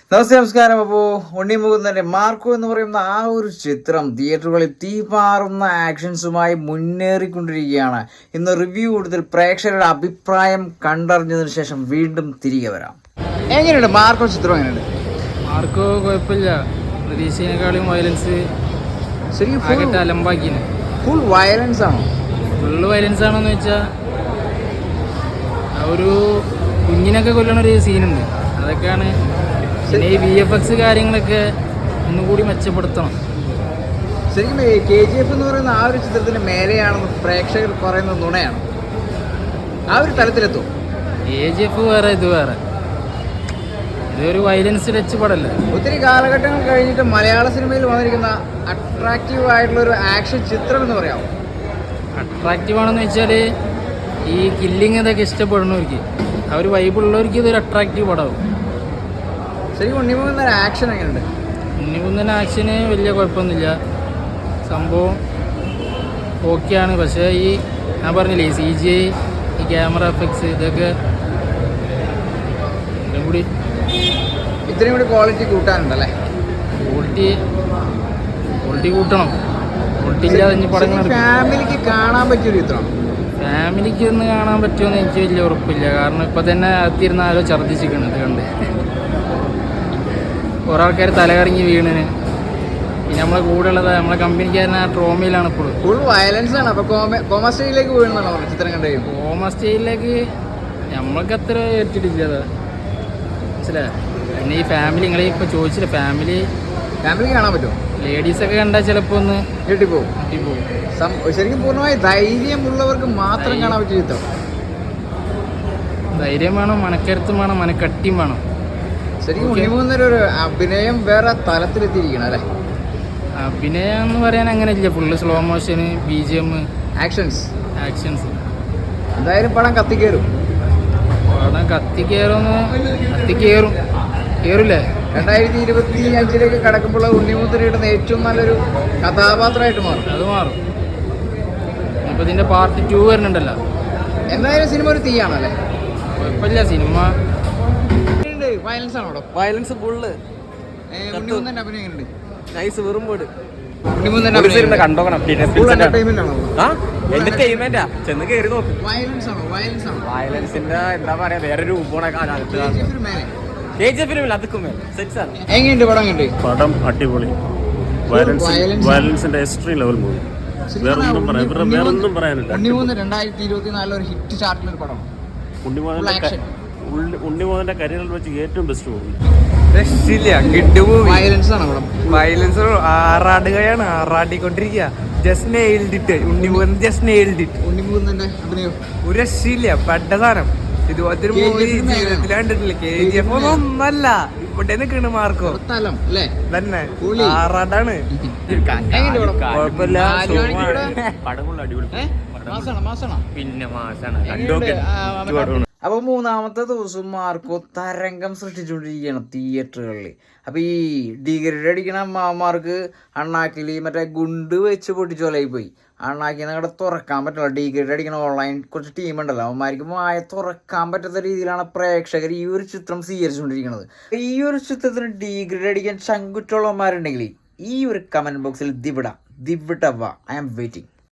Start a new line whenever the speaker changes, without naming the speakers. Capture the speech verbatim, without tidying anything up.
നമസ്തേ, നമസ്കാരം. അപ്പോൾ ഉണ്ണി മുകുന്ദൻ്റെ മാർക്കോ എന്ന് പറയുന്ന ആ ഒരു ചിത്രം തിയേറ്ററുകളിൽ തീപാറുന്ന ആക്ഷൻസുമായി മുന്നേറിക്കൊണ്ടിരിക്കുകയാണ്. ഇന്ന് റിവ്യൂ കൂടുതൽ പ്രേക്ഷകരുടെ അഭിപ്രായം കണ്ടറിഞ്ഞതിന് ശേഷം വീണ്ടും തിരികെ വരാം. എങ്ങനെയുണ്ട് മാർക്കോ ചിത്രം? എങ്ങനെയുണ്ട്
മാർക്കോ? കുഴപ്പമില്ല, പ്രതീക്ഷേക്കാളും വയലൻസ്
ശരിക്കും
അലമ്പാക്കിന്.
ഫുൾ വയലൻസ് ആണോ?
ഫുള്ള് വയലൻസ് ആണോന്ന് വെച്ചാൽ ഒരു കുഞ്ഞിനൊക്കെ കൊല്ലണ ഒരു സീനുണ്ട്, അതൊക്കെയാണ്. പിന്നെ ഈ വി എഫ് എക്സ് കാര്യങ്ങളൊക്കെ ഒന്നുകൂടി മെച്ചപ്പെടുത്തണം.
ശരിക്കും കെ ജി എഫ് എന്ന് പറയുന്ന ആ ഒരു ചിത്രത്തിന് മേലെയാണെന്ന് പ്രേക്ഷകർ പറയുന്നത് നുണയാണ്. ആ ഒരു തലത്തിലെത്തും.
കെ ജി എഫ് വേറെ, ഇത് വേറെ. ഇതൊരു വയലൻസ് ടച്ച് പടല്ലേ.
ഒത്തിരി കാലഘട്ടങ്ങൾ കഴിഞ്ഞിട്ട് മലയാള സിനിമയിൽ വന്നിരിക്കുന്ന അട്രാക്റ്റീവ് ആയിട്ടുള്ള ഒരു ആക്ഷൻ ചിത്രം എന്ന് പറയാമോ?
അട്രാക്റ്റീവ് ആണെന്ന് വെച്ചാൽ ഈ കില്ലിങ് ഇതൊക്കെ ഇഷ്ടപ്പെടുന്നവർക്ക്, ആ ഒരു വൈബുള്ളവർക്ക് ഇതൊരു അട്രാക്റ്റീവ് പടമാവും.
ശരിക്കും ഉണ്ണിമുകുന്ദൻ ആക്ഷൻ എങ്ങനെയുണ്ട്?
ഉണ്ണിമുകുന്ദൻ ആക്ഷന് വലിയ കുഴപ്പമൊന്നുമില്ല, സംഭവം ഓക്കെയാണ്. പക്ഷേ ഈ ഞാൻ പറഞ്ഞില്ലേ, ഈ സി ജി ഐ, ഈ ക്യാമറ എഫക്ട്സ്, ഇതൊക്കെ ഇതും കൂടി
ഇത്രയും കൂടി ക്വാളിറ്റി കൂട്ടാനുണ്ടല്ലേ?
ക്വാളിറ്റി ക്വാളിറ്റി കൂട്ടണം. ക്വാളിറ്റി ഇല്ലാതെ ഇനി പടങ്ങൾ
ഫാമിലിക്ക് കാണാൻ പറ്റിയൊരു ചിത്രം.
ഫാമിലിക്ക് ഒന്ന് കാണാൻ പറ്റുമെന്ന് എനിക്ക് വലിയ ഉറപ്പില്ല. കാരണം ഇപ്പം തന്നെ അകത്തിരുന്ന് ആരോ ഛർദ്ദിച്ചിരിക്കണം ഇത് കണ്ട്. കുറേ ആൾക്കാർ തലകറങ്ങി വീണിന്. പിന്നെ നമ്മളെ കൂടെ ഉള്ളത് നമ്മളെ കമ്പനിക്കാരൻ ആ ട്രോമയിലാണ് ഇപ്പോഴും.
ഫുൾ വയലൻസ് ആണ്. അപ്പോൾ കോമ സ്റ്റേജിലേക്ക് വീഴുന്നതാണോ ചിത്രം കണ്ടു?
കോമ സ്റ്റേജിലേക്ക് നമ്മൾക്ക് അത്ര ഏറ്റിട്ടില്ല, അത് മനസ്സിലായോ? പിന്നെ ഈ ഫാമിലി, നിങ്ങളെ ഇപ്പോൾ ചോദിച്ചില്ല, ഫാമിലി
ഫാമിലിക്ക് കാണാൻ പറ്റുമോ?
ലേഡീസൊക്കെ കണ്ടാൽ ചിലപ്പോൾ ഒന്ന്
ഞെട്ടിപ്പോവും.
ഞെട്ടിപ്പോവും.
ശരിക്കും പൂർണ്ണമായി ധൈര്യമുള്ളവർക്ക് മാത്രം കാണാൻ പറ്റിയ ചിത്രം.
ധൈര്യം വേണം, മനക്കരുത്തും വേണം, മനക്കട്ടിയും വേണം.
ശരിക്കും ഉണ്ണിമുകുന്ദൻ്റെ ഒരു അഭിനയം വേറെ തലത്തിലെത്തിയിരിക്കണം അല്ലേ?
അഭിനയം എന്ന് പറയാൻ അങ്ങനെ ഇല്ല. Full slow motion, B G M,
actions
actions.
എന്തായാലും പടം കത്തിക്കയറും.
പടം കത്തിക്കയറുമെന്ന് കത്തിക്കയറും കയറില്ലേ?
രണ്ടായിരത്തി ഇരുപത്തി അഞ്ചിലേക്ക് കടക്കുമ്പോൾ ഉണ്ണിമുകുന്ദൻ ഇടുന്ന ഏറ്റവും നല്ലൊരു കഥാപാത്രമായിട്ട് മാറും.
അത് മാറും. ഇപ്പം ഇതിൻ്റെ പാർട്ട് ടു വരുന്നുണ്ടല്ലോ.
എന്തായാലും സിനിമ ഒരു തീയാണല്ലേ?
കുഴപ്പമില്ല. സിനിമ
വയലൻസ് ആണോ?
Violence full.
ഉണ്ണിമുകുന്ദൻ്റെ അഭിനയം എങ്ങനെയുണ്ട്?
നൈസ്, വെറും പോട്.
ഉണ്ണിമുകുന്ദൻ്റെ അഭിനയം
കണ്ടോക്കണം.
ഫുൾ എന്റർടൈൻമെന്റ് ആണോ?
എന്റർടൈൻമെന്റാ, ചെന്ന് കയറി നോക്ക്.
വയലൻസ് ആണോ? വയലൻസ് ആണോ?
വയലൻസിന്റെ എന്താ പറയാ, വേറെ രൂപമാണ് കെ ജി എഫിനും അതുക്കും സെറ്റ്സാണ്.
എങ്ങനെയുണ്ട് പടം? കണ്ട്
പടം അടിപൊളി. വയലൻസിന്റെ എക്സ്ട്രീം ലെവൽ മൂവി. വേറൊന്നും പറയാൻ വേറൊന്നും പറയാനില്ല.
ഉണ്ണിമുകുന്ദൻ രണ്ടായിരത്തി ഇരുപത്തി നാലിൽ ഒരു ഹിറ്റ് ചാർട്ടിലൊരു പടം.
ഉണ്ണിമുകുന്ദന്റെ കരിയറിൽ വെച്ച് ഏറ്റവും ബെസ്റ്റ് മൂവി.
രക്ഷയില്ല, കിഡ് മൂവി.
വയലൻസ് ആണ് പടം.
വയലൻസ് ആറാടുകയാണ്, ആറാടിക്കൊണ്ടിരിക്കുക. Just nailed it. Unni Mukundan just nailed it.
ഉണ്ണിമുകുന്ദന്റെ അഭിനയം
ഒരു രക്ഷയില്ല, പെട്ട സാധനം. ഇതുപോലത്തെ ഒരു മൂവി ജീവിതത്തിൽ കണ്ടിട്ടില്ല. കെ ജി എഫ് ഒന്നല്ല, ഇവിടെ നിൽക്കണ് മാർക്കോ
സ്ഥലം അല്ലേ?
തന്നെ ആറാടാണ്. കുഴപ്പമില്ല,
പിന്നെ മാസാണ്.
അപ്പോൾ മൂന്നാമത്തെ ദിവസം മാർക്കോ തരംഗം സൃഷ്ടിച്ചുകൊണ്ടിരിക്കുകയാണ് തിയേറ്ററുകളിൽ. അപ്പോൾ ഈ ഡിഗ്രേഡ് അടിക്കണ അമ്മമാർക്ക് അണ്ണാക്കിൽ മറ്റേ ഗുണ്ട് വെച്ച് പൊട്ടിച്ചു പോലായി പോയി. അണ്ണാക്കിന്ന് അവിടെ തുറക്കാൻ പറ്റില്ല. ഡിഗ്രേഡ് അടിക്കണ ഓൺലൈൻ കുറച്ച് ടീമുണ്ടല്ലോ, അവന്മാർക്ക് മായ തുറക്കാൻ പറ്റാത്ത രീതിയിലാണ് പ്രേക്ഷകർ ഈ ഒരു ചിത്രം സ്വീകരിച്ചുകൊണ്ടിരിക്കുന്നത്. ഈ ഒരു ചിത്രത്തിന് ഡിഗ്രേഡ് അടിക്കാൻ ചങ്കുറ്റുള്ളവന്മാരുണ്ടെങ്കിൽ ഈ ഒരു കമൻറ്റ് ബോക്സിൽ ദിവിട ദിവിട വാ, ഐ ആം വെയിറ്റിംഗ്.